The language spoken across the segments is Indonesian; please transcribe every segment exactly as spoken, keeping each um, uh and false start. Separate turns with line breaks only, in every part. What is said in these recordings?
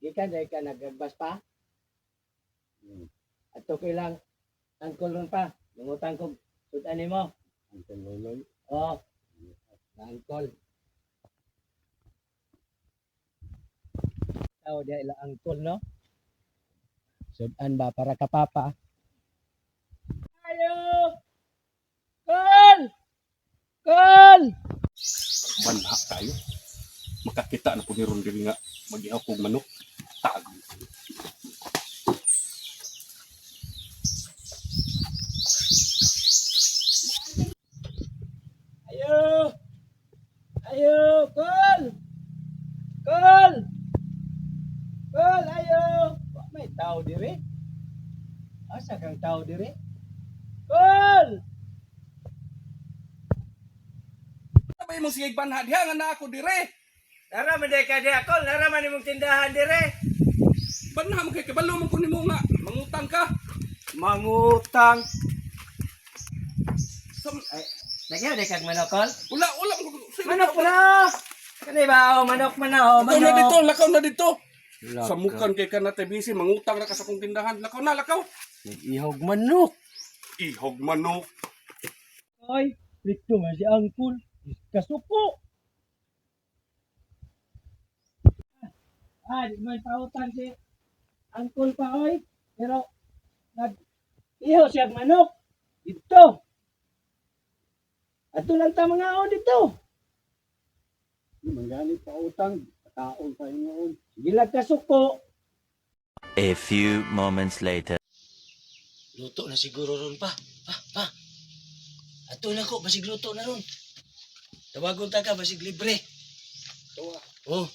Ikan dahil ka nagagbas pa.
Hmm.
At to kailang angkol ron pa. Nungutang ko. Sudan mo.
Angkol loloy.
Oo. Angkol. Tao dia ila angkol no. Sudan ba para kapapa. Ayo. Kol! Kol!
Banha tayo. Makakita na po ni Ron diri nga mag-ihaw kong manok. Tago.
Ayo! Ayo! Kol! Kol! Kol! Ayo! Wa may tao diri? Asa kang tao diri? Kol!
Ano ba imong sige banha diha nga na ako dire?
Nara man ka di ako, nara man imong tindahan dire.
Banha mo kay kabalo mo ko nimo nga mangutang ka.
Mangutang.
Sam
Ay, nagyan di kag manok, Kol?
wala wala mo.
Manok po na! Kani ba, oh, manok man na, oh,
Lakaw na dito,
manok.
lakaw na dito.
Lakaw.
Samukan kay ka na tebisi mangutang na ka sa kong tindahan. Lakaw na, lakaw.
Nag-ihog manok.
Ihog manok.
Ay, rito man si Angkol. Kasuko. Ah, di man pautan si Angkol pa, oy. Pero, nag-iho siya manok. Dito. Ato lang ta mga o dito.
Mangani pa utang. Taon pa ingon.
Sige lang kasuko.
A few moments later.
Luto na siguro ron pa. Pa, pa. Ato na ko, basig luto na ron. Tawagon ta ka, basig libre.
Tuwa.
Oh.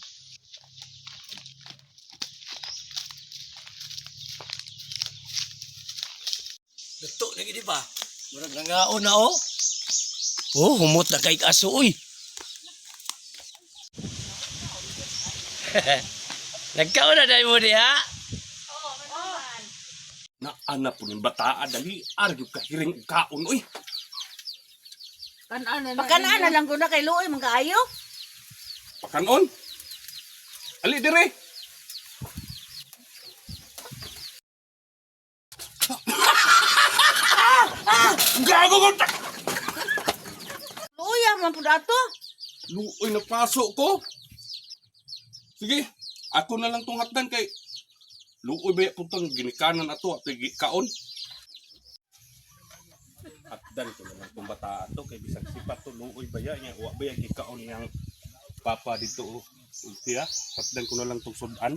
Luto na gini ba? Murag nangaon na oh. Oh, humot na kay kaso uy. Nagkaon na dahil mo di ha?
Na ana po ng bataa dali argyug ka hiring og kaon oy.
Pakanaan na lang ko na kay Luoy, mga kaayo.
Pakanon. Ali dire. Gago ko.
Luoy, ah, man po dato.
Luoy napasok ko. Sige, ako na lang tong hatdan kay luoy ba puntang ginikanan ato at kaon. Hatdan ko na lang tong bata ato kay bisag sipat to luoy ba ya nya wa ba ya gikaon yang papa dito oh. Siya, hatdan ko na lang tong sudan.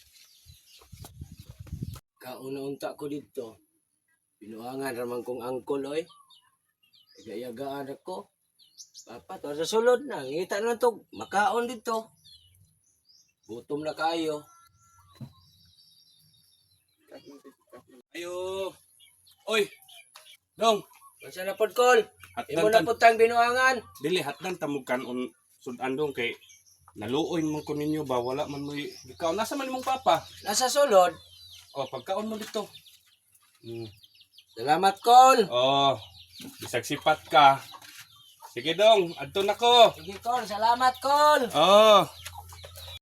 Kauna-unta ko dito. Pinuangan ramang kong angkol oy. Igayagaan ako. Papa, to sa sulod na. Ngita na to. Makaon dito. Gutom na kayo.
Ayo. Oy. Dong,
Masa na pod kol? Imo na
hatdan tan
pod tang binuangan.
dili hatdan tamog kanon sudan dong kay naluoy mo ko ninyo ba wala man mo gikaon nasa man imong papa.
Nasa sulod.
Oh, pagkaon mo dito.
Hmm. Salamat kol.
Oh, bisag sipat ka. Sige dong, adto na ko.
Sige kol, salamat kol.
Oh.